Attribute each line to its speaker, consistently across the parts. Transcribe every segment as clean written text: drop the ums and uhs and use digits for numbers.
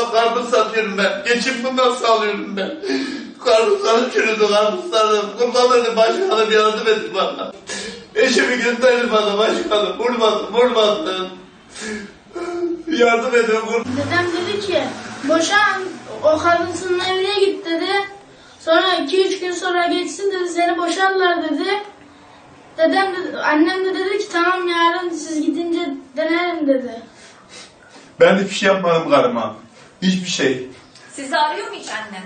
Speaker 1: karpuz satıyorum ben. Geçim bundan sağlıyorum ben. Karpuzlarım çürüdü, karpuzlarım. Kurban edin başkanım, yardım edin bana. Eşimi gönderin bana başkanım. Vurmadın. Yardım edin.
Speaker 2: Dedem dedi ki boşan, o karısının evine git dedi. Sonra 2-3 gün sonra geçsin dedi, seni boşarlar dedi. Annem de dedi ki tamam yarın siz gidince denerim dedi.
Speaker 1: Ben hiçbir şey yapmadım karıma. Hiçbir şey.
Speaker 3: Sizi arıyor mu hiç annem?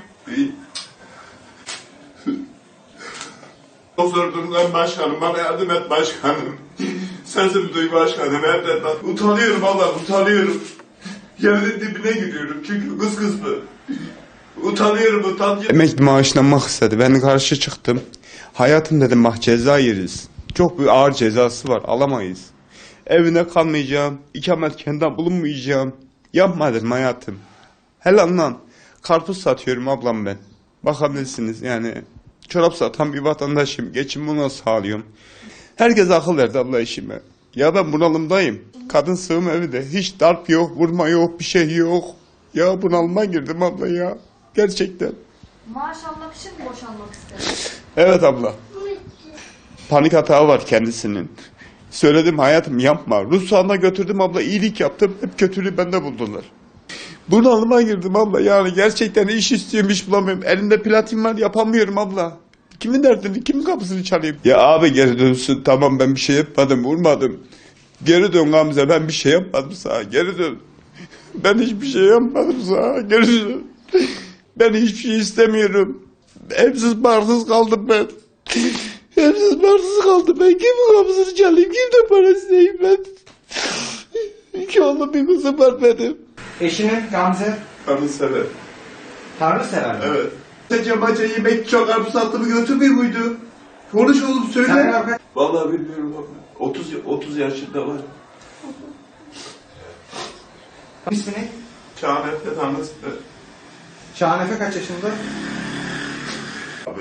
Speaker 1: Çok zor durumdayım başkanım. Bana yardım et başkanım. Sesimi duy başkanım. Evden bak. Utanıyorum Allah, utanıyorum. Yerin dibine giriyorum çünkü kız mı? Utanıyorum.
Speaker 4: Emekli maaşlanmak istedi. Ben karşı çıktım. Hayatım dedim bak ceza yeriz. Çok bir ağır cezası var. Alamayız. Evine kalmayacağım. İkametgahında bulunmayacağım. Yapma dedim hayatım. Helal lan. Karpuz satıyorum ablam ben. Bakabilirsiniz yani. Çorap satan bir vatandaşım. Geçimimi nasıl sağlıyorum. Herkes akıl verdi abla işime. Ya ben bunalımdayım. Kadın sığım evi de. Hiç darp yok, vurma yok, bir şey yok. Ya bunalıma girdim abla ya. Gerçekten.
Speaker 3: Maaş almak için mi boşanmak istedin?
Speaker 4: Evet abla. Panik hata var kendisinin. Söyledim hayatım yapma. Ruh sahanına götürdüm abla, iyilik yaptım. Hep kötülüğü bende buldular. Bunalıma girdim abla yani gerçekten iş istiyorum, iş bulamıyorum. Elimde platin var, yapamıyorum abla. Kimin derdini, kimin kapısını çalayım? Ya abi geri dönsün, tamam ben bir şey yapmadım, vurmadım. Geri dön Gamze, ben bir şey yapmadım sana, geri dön. Ben hiçbir şey yapmadım sana, geri dön. Ben hiçbir şey istemiyorum. Evsiz barsız kaldım ben. Evsiz barsız kaldım ben. Kimin kapısını çalayım, kimden para isteyeyim ben? İki oğlum bir kızım var benim.
Speaker 5: Eşinin Gamze
Speaker 1: Karı sever.
Speaker 5: Tanrı sever mi?
Speaker 1: Evet. Maça yemek çok karpuz sattığımı götürmüyor muydu? Konuş oğlum söyle.
Speaker 5: Sen
Speaker 1: Vallahi bilmiyorum baba. 30 yaşında var.
Speaker 5: ismi ne?
Speaker 1: Şahanetle tanrısı.
Speaker 5: Şahanefe kaç yaşında?
Speaker 1: Abi.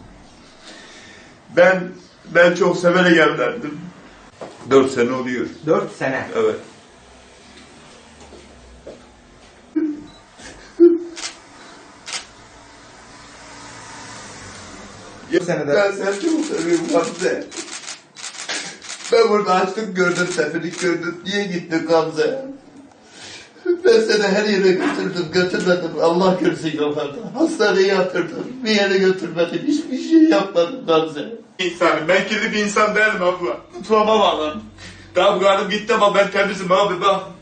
Speaker 1: Ben çok severek evlendim. 4 sene oluyor.
Speaker 5: 4 sene.
Speaker 1: Evet.
Speaker 5: Senede.
Speaker 1: Ben seni çok seviyorum Gamze. Ben burada açlık gördüm, seferlik gördüm. Niye gittin Gamze? Ben seni her yere götürmedim. Allah görsün kafanı. Hastaneye yatırdım. Bir yere götürmedim. Hiçbir şey yapmadım Gamze. İnsanım. Ben kirli bir insan değilim abla. Mutfağıma bağlan. Tamam karım gitti ama ben temizim abi bak.